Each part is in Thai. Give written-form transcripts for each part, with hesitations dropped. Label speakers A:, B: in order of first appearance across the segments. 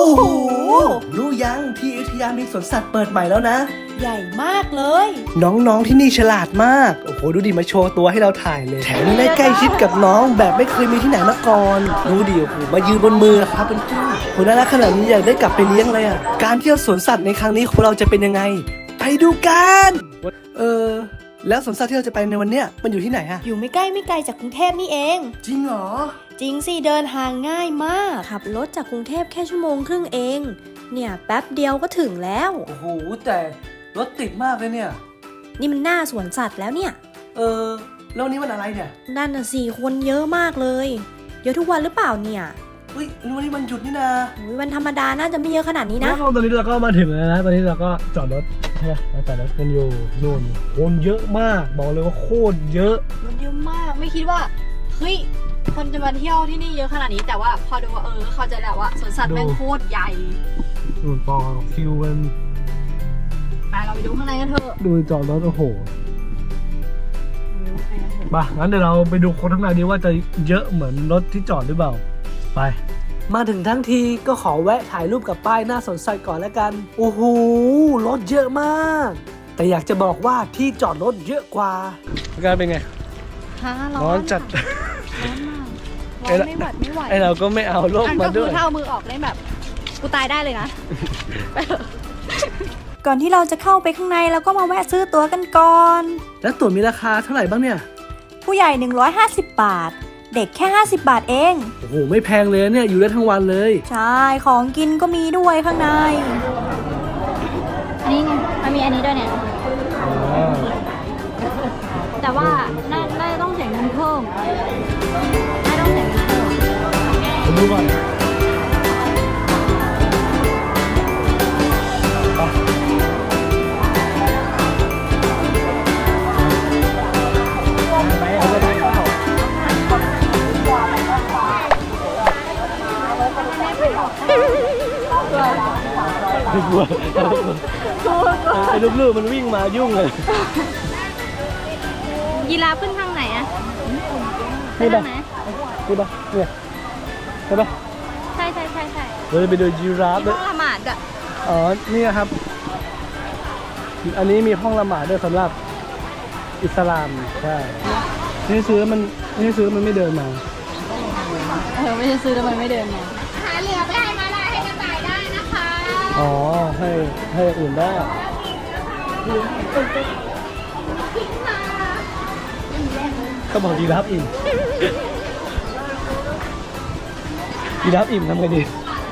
A: โหรู้ยังที่อยุธยามีสวนสัตว์เปิดใหม่แล้วนะ
B: ใหญ่มากเลย
A: น้องๆที่นี่ฉลาดมากโอ้โหดูดิมาโชว์ตัวให้เราถ่ายเลยแถมยังได้ใกล้ชิดกับน้องแบบไม่เคยมีที่ไหนมาก่อนดูดิโอ้โหมายืนบนมือครับเป็นผู้คนน่ารักขนาดนี้อยากได้กลับไปเลี้ยงเลยอ่ะการเที่ยวสวนสัตว์ในครั้งนี้ของเราจะเป็นยังไงไปดูกันแล้วสวนสัตว์ที่เราจะไปในวันเนี้ยมันอยู่ที่ไหนอะ
B: อยู่ไม่ใกล้ไม่ไกลจากกรุงเทพนี่เอง
A: จริงเหรอ
B: จริงสิเดินทางง่ายมากขับรถจากกรุงเทพแค่1.5 ชั่วโมงเองเนี่ยแป๊บเดียวก็ถึงแล้ว
A: โอ้โหแต่รถติดมากเลยเนี่ย
B: นี่มันหน้าสวนสัตว์แล้วเนี่ย
A: แล้วนี้วันอะไรเนี่ย
B: นั่นน่ะสิคนเยอะมากเลยเยอะทุกวันหรือเปล่าเนี่ย
A: เฮ้ยวันนี้มันหยุดนี่นะ
B: วันธรรมดาน่าจะไม่เยอะขนาดนี้นะ
C: ตอนนี้เราก็มาถึงแล้วนะตอนนี้เราก็จอดรถใช่ไหมเราจอดรถกันอยู่นู่นคนเยอะมากบอกเลยว่าโคตรเยอะ
D: มันเยอะมากไม่คิดว่าเฮ้ยคนจะมาเที่ยวที่นี่เยอะขนาดนี้แต่ว่าพอดูว่าเข้าใจแล้วว่าสวนสัตว์แม่งโคตรใหญ่
C: นู่นต่อคิวกัน
D: ไปเราไปดูข้างในกันเถอะ
C: ดูจอดรถโอ้โหมางั้นเดี๋ยวเราไปดูคนข้างในดีว่าจะเยอะเหมือนรถที่จอดหรือเปล่าไป
A: มาถึงทั้งทีก็ขอแวะถ่ายรูปกับป้ายหน้าสวนสัตว์ก่อนแล้วกันโอ้โหรถเยอะมากแต่อยากจะบอกว่าที่จอดรถเยอะกว่า
C: อาการเป็นไงร้อนจัด
D: ร้อนไม่หวัดไม่ไหว
C: ไอเราก็ไม่เอาร่มมาด้วย
D: ถ้าเอามือออกได้แบบกูตายได้เลยนะ
B: ก่อนที่เราจะเข้าไปข้างในเราก็มาแวะซื้อตั๋วกันก่อน
A: แล้วตั๋วมีราคาเท่าไหร่บ้างเนี่ย
B: ผู้ใหญ่150 บาทเด็กแค่50 บาทเอง
A: โอ้โหไม่แพงเลยเนี่ยอยู่ได้ทั้งวันเลย
B: ใช่ของกินก็มีด้วยข้างใน
D: อันนี้ไงมันมีอันนี้ด้วยเนี่ยแต่ว่าน่าจะต้องเสียเงินเพิ่มน่าต้องเสียเงินเพิ่ม
C: ผมดูก่อนกลัวไอ้ลูกๆมันวิ่งมายุ่งเลย
D: ยีราฟขึ้นทางไหนอะไปทางไหน
C: นี่ปะเนี่ยใช่ปะ
D: ใช่
C: เราจะไปดูยีราฟ
D: ด้วยห้องละหมาดอะ
C: อ๋อนี่ครับอันนี้มีห้องละหมาดด้วยสำหรับอิสลามใช่นี่ซื้อมันไม่เดินมา
D: ไม่ใช่ซื้อแล้วมันไม่เดินมาหาเหลือไปให้มาได้ให้กระต่ายได้นะคะ
C: อ๋อให้อื่นได้ก็บอกยีราฟอิ่มยีราฟอิ่มทำไงดี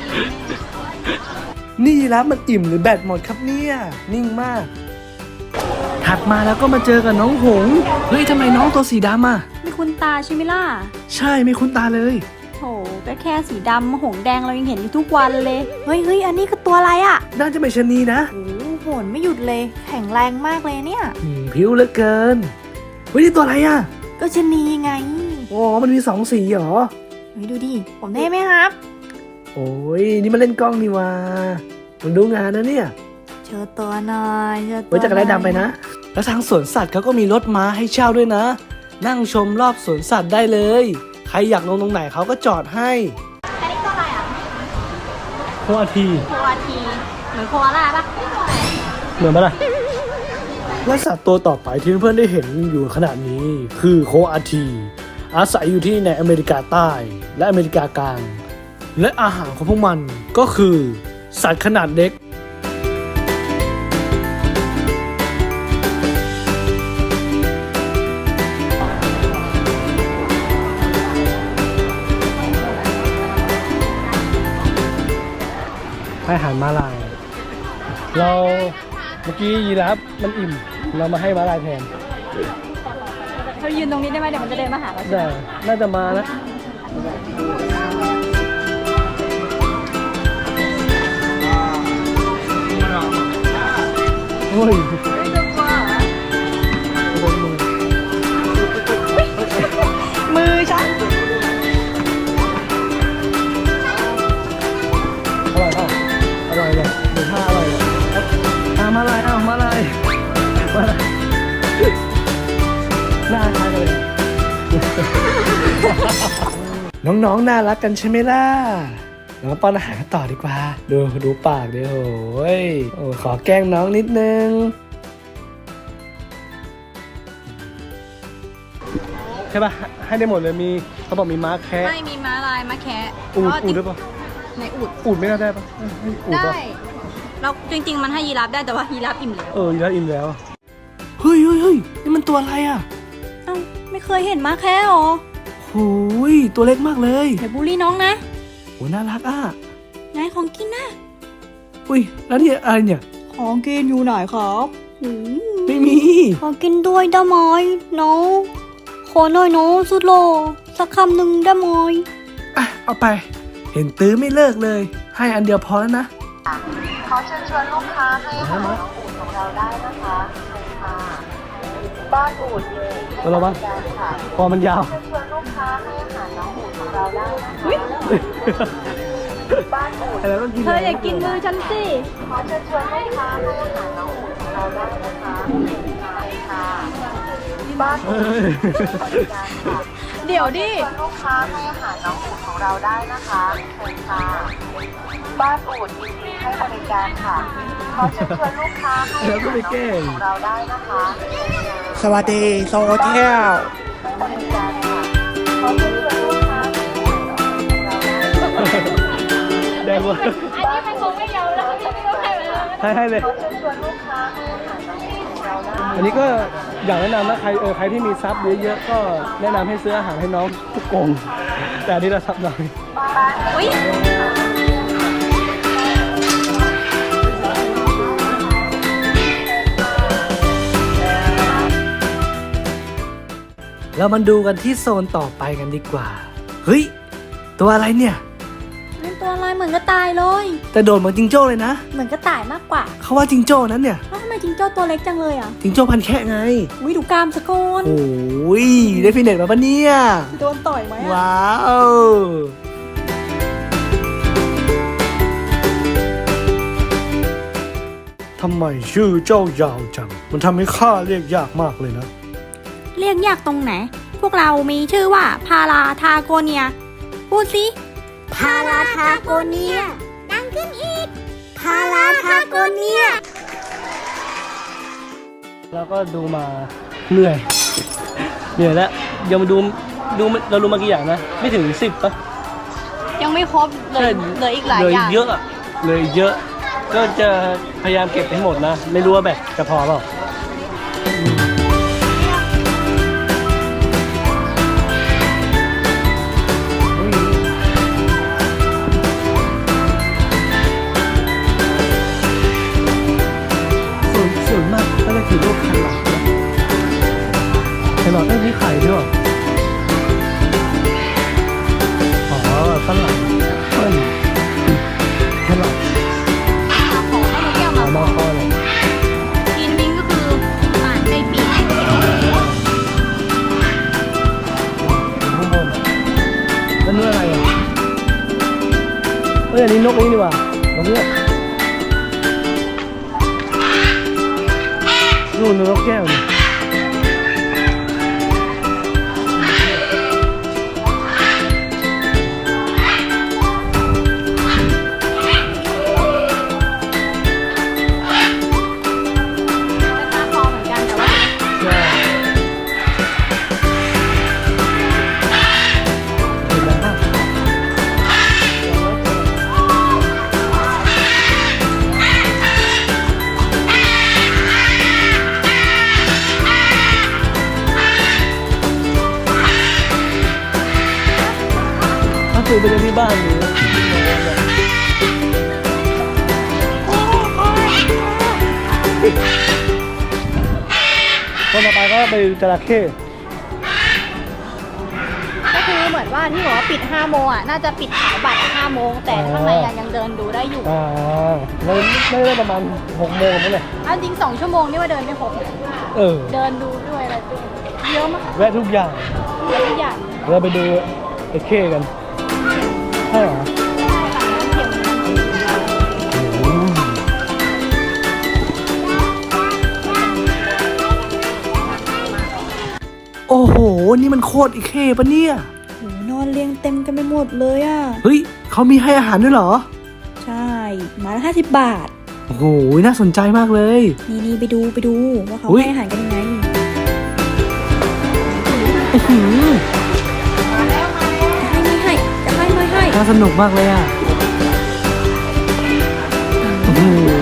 A: นี่ยีราฟมันอิ่มหรือแบตหมดครับเนี่ยนิ่งมากถัดมาแล้วก็มาเจอกับน้องหงเฮ้ยทำไมน้องตัวสีดำอ่ะ
B: ไม่คุ้นตาใช่ไหมล่ะ
A: ใช่ไม่คุ้นตาเลย
B: โหก็แค่สีดำหงแดงเรายังเห็นอยู่ทุกวันเลยเฮ้ยอันนี้คือตัวอะไรอ่ะ
A: น่าจะเป็นชะนีนะ
B: โอ้โหไม่หยุดเลยแข็งแรงมากเลยเนี่ย
A: ผิวเหลือเกินเฮ้ยนี่ตัวอะไรอ่ะ
B: ก็ชะนีไง
A: อ๋อมันมี2 สีเหรอ
B: เฮ้ยดูดิผมเท่ไหมครับ
A: โอ้ยนี่มันเล่นกล้องนี่ว่ามันดูงานนะเนี่ย
B: เชิญตัวหน่อย
A: ไว้จักรยานดำไปนะแล้วทางสวนสัตว์เขาก็มีรถม้าให้เช่าด้วยนะนั่งชมรอบสวนสัตว์ได้เลยใครอยากลงตรงไหนเขาก็จอดให้
D: อันนี้ตัวอะไรอ่ะ
C: โคอาที
D: เหมือนโคอาล่าปะ
C: เหมือนปะล่ะ
A: และสัตว์ตัวต่อไปที่เพื่อนๆได้เห็นอยู่ขณะนี้คือโคอาทีอาศัยอยู่ที่ในอเมริกาใต้และอเมริกากลางและอาหารของพวกมันก็คือสัตว์ขนาดเล็ก
C: ให้อาหารม้าลายเราเมื่อกี้ยีราฟมันอิ่มเรามาให้ม้าลายแทน
D: เรายืนตรงนี้ได้ไหมเดี๋ยวมันจะเดินมาหาเรา
C: ได้น่าจะมานะโอ้ย
D: มือฉัน
C: อร่อยเลยดูท่าอร่อยเลยมาลายหน้าคล้ายกันเลย
A: น้องๆน่ารักกันใช่ไหมล่ะเรามาป้อนอาหารกันต่อดีกว่า ดูปากดิโอ้ยโอ้ขอแกล้งน้องนิดนึงใช่ป่ะให้ได้หมดเลยมีเขาบอกมีม้าแคะ
D: ไม่มีม้าลายม้าแคะ
A: อูดด้วยป่ะ
D: ในอูด
A: อูดไม่น่าได้ป่ะให้อูด
D: ได้
A: ป่ะ
D: เราจริงๆมันให้ยีราฟได้แต่ว่ายีราฟอิ่มแล้ว
A: อยู่แล้วอิ่มแล้วเฮ้ยนี่มันตัวอะไรอ่ะ
B: เอ้าไม่เคยเห็นม้าแค่หรอ
A: โอ้ยตัวเล็กมากเลย
B: เดี๋ยวบูลลี่น้องนะ
A: โอ้น่ารักอ่ะ
B: ไหนของกินนะ
A: อุ้ยแล้วนี่อะไรเนี่ย
B: ของกินอยู่ไหนครับหืม
A: ไม่มี
B: ขอกินด้วยได้ไหมน้องขอหน่อยน้องสุดโลสักคำหนึ่งได้ไหม
A: อ่ะเอาไป เห็นตื้อไม่เลิกเลย ให้อันเดียวพอแล้วนะ
E: ขอเชิญชวนลูกค้าให้อาหารน้องอูฐของเราได้นะคะเชิญค่ะบ้านอูฐยินดีให้บริการค่ะ
A: พอมันยาว
E: เชิญชวนลูกค้าให้อาหารน้องอูฐของเราได้นะคะบ้านอูฐ
A: อะไรต้องกิน
B: เธออย่ากินมือฉันสิ
E: ขอเชิญชวนลูกค้าให้อาหารน้องอูฐของเราได้นะคะเชิญค่ะบ้านอูฐยินดีให้บริการค่ะ
D: เดี๋ยวดิ
E: ชวนลูกค้าให้อาหารน้องอูฐของเราได้นะคะเชิญค่ะบ้านอูฐยินดีให้บริการค่ะขอเชิญชวนลูกค้าให้อาหารน้องอูฐของเราได้นะคะเชิญค่ะ
A: สวัสดีโซเทียล
E: บริการค่ะขอเชิญชวนลูกค้าให้อาหารน้องอูฐของเราได้นะคะ
A: แดงวะ
D: อันนี้มันคงไม่ยาวแล้วพี่ไม่ต้องให้มันแล้ว
A: ให้เลย
E: ขอเชิญชวนลูกค้าให้อาหารน้องอูฐของเราได้
A: อันนี้ก็อยากแนะนำนะใครที่มีซับเยอะๆก็แนะนำให้ซื้ออาหารให้น้องทุกกรงแต่อันนี้เราซับน้อย
D: อุ้ย
A: เรามาดูกันที่โซนต่อไปกันดีกว่า เฮ้ย ตัวอะไรเนี่ย
B: เป็นตัวอะไรเหมือนกระต่ายเลย
A: แต่โดดเหมือนจิงโจ้เลยนะ
B: เหมือนกระต่ายมากกว่า
A: เขาว่าจิงโจ้นั้นเนี่ย
B: แล้วทำไมจิงโจ้ตัวเล็กจังเลยอ่ะ
A: จิงโจ้พันแค่ไง
B: วิดูกรามสะกอน
A: โอ้ยได้ฟินเน็ตมาปะเนี่ย
B: โดนต่อยไหมอ่ะ
A: ว้าวทำไมชื่อเจ้ายาวจัง มันทำให้ข้าเรียกยากมากเลยนะ
B: เรียกยากตรงไหน พวกเรามีชื่อว่าพาราทาโกเนีย พูดสิ พาราทาโกเนีย ดังขึ้นอีก พาราทาโกเนีย
C: แล้วก็ดูมาเหนื่อยแล้วยังมาดูเราดูมากี่อย่างนะ ไม่ถึง10ป่ะ
D: ยังไม่ครบเลยเหลืออีกหลาย
C: เลย
D: อย่าง
C: เยอะอะเลยเยอะ ก็จะพยายามเก็บให้หมดนะ ไม่รู้ว่าแบบจะพอเปล่าส่วนมากก็จะคือพวกแครอทนะแครอทนี่ขายด้วยเหรออ๋อฝรั่งเปิ้ลแครอท
D: ของให้ลูกแก้ว
C: เอา
D: มา
C: มาพอเลย
D: กินวิงก็คืออ่านใจปีก
C: ข้างบนแล้วนู่นอะไรอ่ะอันนี้นกนี้ดีกว่านกเนี้ยนู่นนกแก้วนี่
D: ราคาพอเหมือนกันแต่ว่า
C: ใช่เห็นไหมครับ ถ้าซื้อไปเลี้ยงที่บ้านนี้คนต่อไปก็ไปจระเข้
D: ก็คือเหมือนว่าที่บอกว่าปิด5โมงอ่ะน่าจะปิดขายบัตร5โมงแต่ข้างในยังเดินดูได้อยู่
C: เราไม่ได้ประมาณ6 โมงนั่นแหละ
D: เอาจริง2 ชั่วโมงนี่ว่าเดินไม่ครบ
C: เออ
D: เดินดูด้วยอะไรด้วยเยอะมาก
C: แวะทุกอย่าง
D: เยอะทุกอย่าง
C: เราไปดูไอ้เข้กัน ใช่เหรอ
A: โอ้โห นี่มันโคตรอีเข้ปะเนี่ย
B: โหนอนเรียงเต็มกันไปหมดเลยอ่ะ
A: เฮ้ย เขเขามีให้อาหารด้วยเหรอ
B: ใช่ไมาละ50 บาท
A: โอ้โหน่าสนใจมากเลย
B: นี่ไปดูว่าเขา
A: อุ๊ย
B: ให้อาหารกันยังไง
A: อื้อหือ
B: จะให้ไม่ให้
A: น่าสนุกมากเลยอ่ะโอ้โห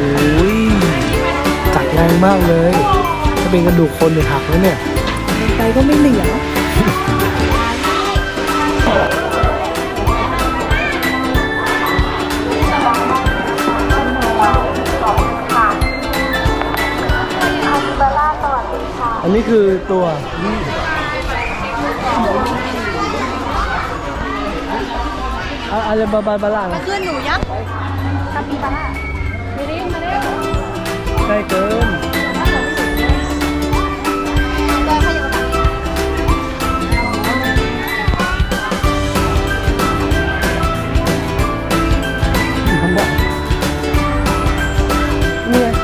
A: กัดแรงมากเลยถ้าเป็นกระดูกคนเนี่ยหักแล้วเนี่ย
B: ไปก็ไม่เหลือ
E: เบลล่าสวัสดีค่ะ
C: อันนี้คือตัวนี่อะไรบาล่านะ
D: ขึ้นหนูยักษ์คาปิบาร่ามาเร็วมาเร็ว
C: ใกล้เกิน
D: เดินขยับมา
C: ทำได้นี่ไง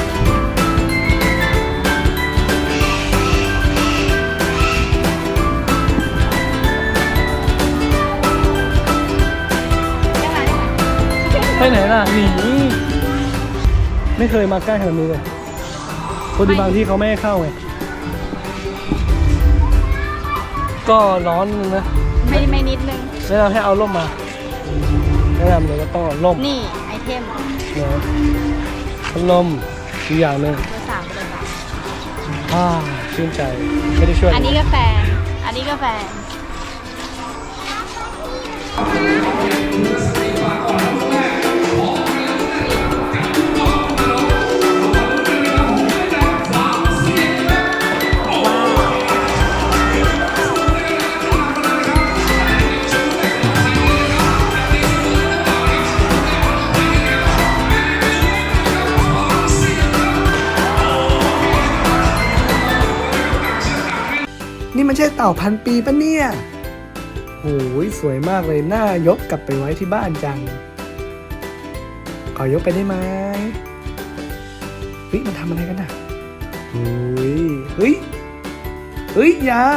C: ไปไหนล่ะหนีไม่เคยมาใกล้ขนาดนี้เลยคนดีบางที่เขาไม่ให้เข้าไงก็ร้อนนึงนะ
D: ไม่นิดนึง
C: แนะนำให้เอาร่มมาแนะนำเลยว่าต้องเอาร่ม
D: นี่ไอเทม
C: นะพัดลมอีกอย่างหนึ่ง
D: เบอร์ 3เบอร์
C: ชื่นใจไม่ได้ช่วย
D: 3อันนี้ก็แฟน อันนี้ก็แฟน
A: นี่มันใช่เต่าพันปีปะเนี่ยโอ้ยสวยมากเลยน่ายกกลับไปไว้ที่บ้านจัง ขอยกไปได้ไหมเฮ้ยมันทำอะไรกันน่ะเฮ้ยอย่า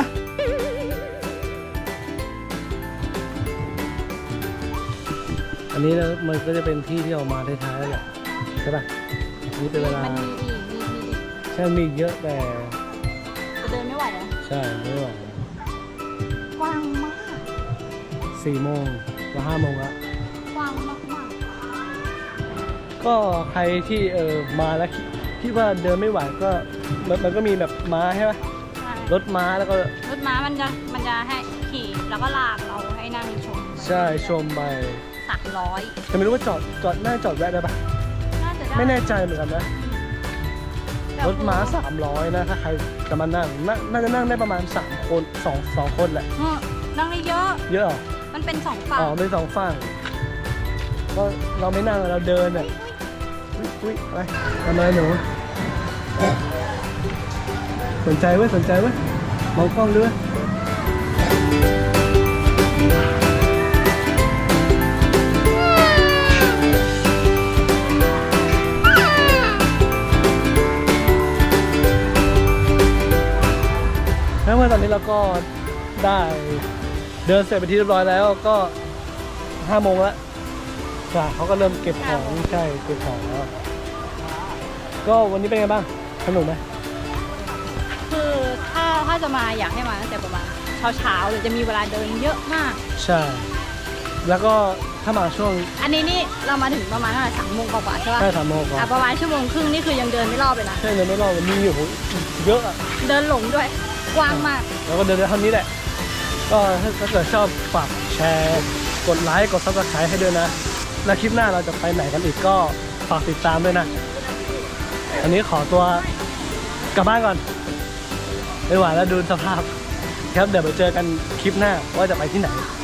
C: อันนี้แล้วมันก็จะเป็นที่ที่เรามาท้ายๆแล้วแหละใช่ป่ะนี่เป็นเวลา
D: มันมีอีก
C: ใช่มีอีกเยอะแต่
D: จะเดินไม่ไหวแล้ว
C: ใช่ไม่ไหว
D: กว้างมาก
C: 4 โมงจะ5 โมงละ
D: กว้างมากมาก
C: ก็ใครที่มาแล้วคิดว่าเดินไม่ไหวก็มันก็มีแบบม้าใช่ไหม
D: ใช่
C: รถม้าแล้วก็
D: รถม้ามันจะให้ขี่แล้วก็ลากเราให้นั่งชม
C: ใช่ชมไป
D: 300
C: แต่ไม่รู้ว่าจอดน่าจอดแวะได้ปะ
D: น่าจะได้
C: ไม่แน่ใจเหมือนกันนะ
D: แต่
C: รถม้า300นะถ้าใครจะมานั่งน่าจะนั่งได้ประมาณ3 คน2 คนแหละ
D: นั่งได้เยอะ
C: เยอะเหรอ
D: มันเป็น2ฝั่ง
C: อ๋อเป็น2 ฝั่งก็เราไม่นั่งเราเดินอ่ะอุ้ยไปทำอะไรหนูสนใจเว้ยมองกล้องด้วยแล้วเมื่อตอนนี้เราก็ได้เดินเสร็จไปนที่เรียบร้อยแล้วก็5 โมงแล้วจ้ะเขาก็เริ่มเก็บของใช่เก็บของแล้วก็วันนี้เป็นไงบ้างสนุกไหม
D: คือถ้าจะมาอยากให้มาตั้งแต่ประมาณเช้าหรือจะมีเวลาเดินเยอะมาก
C: ใช่ แล้วก็ถ้ามาช่วง
D: อันนี้นี่เรามาถึงประมาณ3 โมงกว่าๆใช่ป่ะ
C: ใช่3 โมงก่อน
D: ประมาณ1 ชั่วโมงครึ่งนี่คือยังเดินไม่รอบเลยนะ
C: ใช่เลยไม่รอดมีอยู่เยอะอะ
D: เดินหลงด้วยกว้างมาก
C: แล้วก็เดินได้เท่านี้แหละ ก็ถ้าเกิดชอบฝากแชร์กดไลค์กดซับสไครต์ให้ด้วยนะ แล้วคลิปหน้าเราจะไปไหนกันอีกก็ฝากติดตามด้วยนะ อันนี้ขอตัวกลับบ้านก่อนไม่ไหวแล้วดูสภาพครับเดี๋ยวไปเจอกันคลิปหน้าว่าจะไปที่ไหน